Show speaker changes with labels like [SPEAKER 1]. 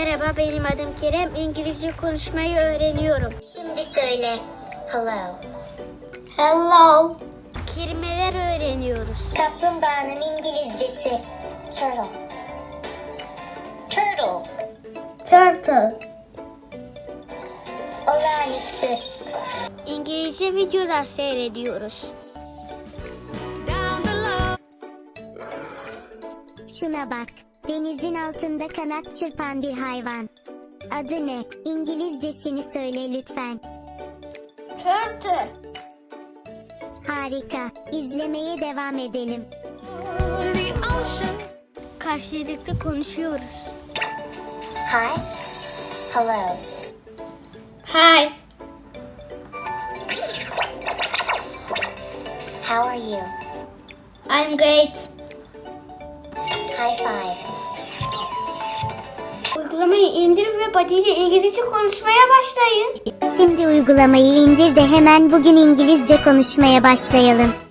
[SPEAKER 1] Merhaba, benim adım Kerem. İngilizce konuşmayı öğreniyorum.
[SPEAKER 2] Şimdi söyle. Hello.
[SPEAKER 1] Hello. Kelimeler öğreniyoruz.
[SPEAKER 2] Kaplumbağanın İngilizcesi. Turtle. Turtle.
[SPEAKER 1] Turtle.
[SPEAKER 2] Olağanüstü.
[SPEAKER 1] İngilizce videolar seyrediyoruz.
[SPEAKER 2] Şuna bak. Denizin altında kanat çırpan bir hayvan. Adı ne? İngilizcesini söyle lütfen.
[SPEAKER 1] Turtle.
[SPEAKER 2] Harika. İzlemeye devam edelim.
[SPEAKER 1] Karşılıklı konuşuyoruz.
[SPEAKER 2] Hi. Hello.
[SPEAKER 1] Hi.
[SPEAKER 2] How are you?
[SPEAKER 1] I'm great.
[SPEAKER 2] High five.
[SPEAKER 1] Uygulamayı indir ve Buddy ile İngilizce konuşmaya başlayın.
[SPEAKER 2] Şimdi uygulamayı indir de hemen bugün İngilizce konuşmaya başlayalım.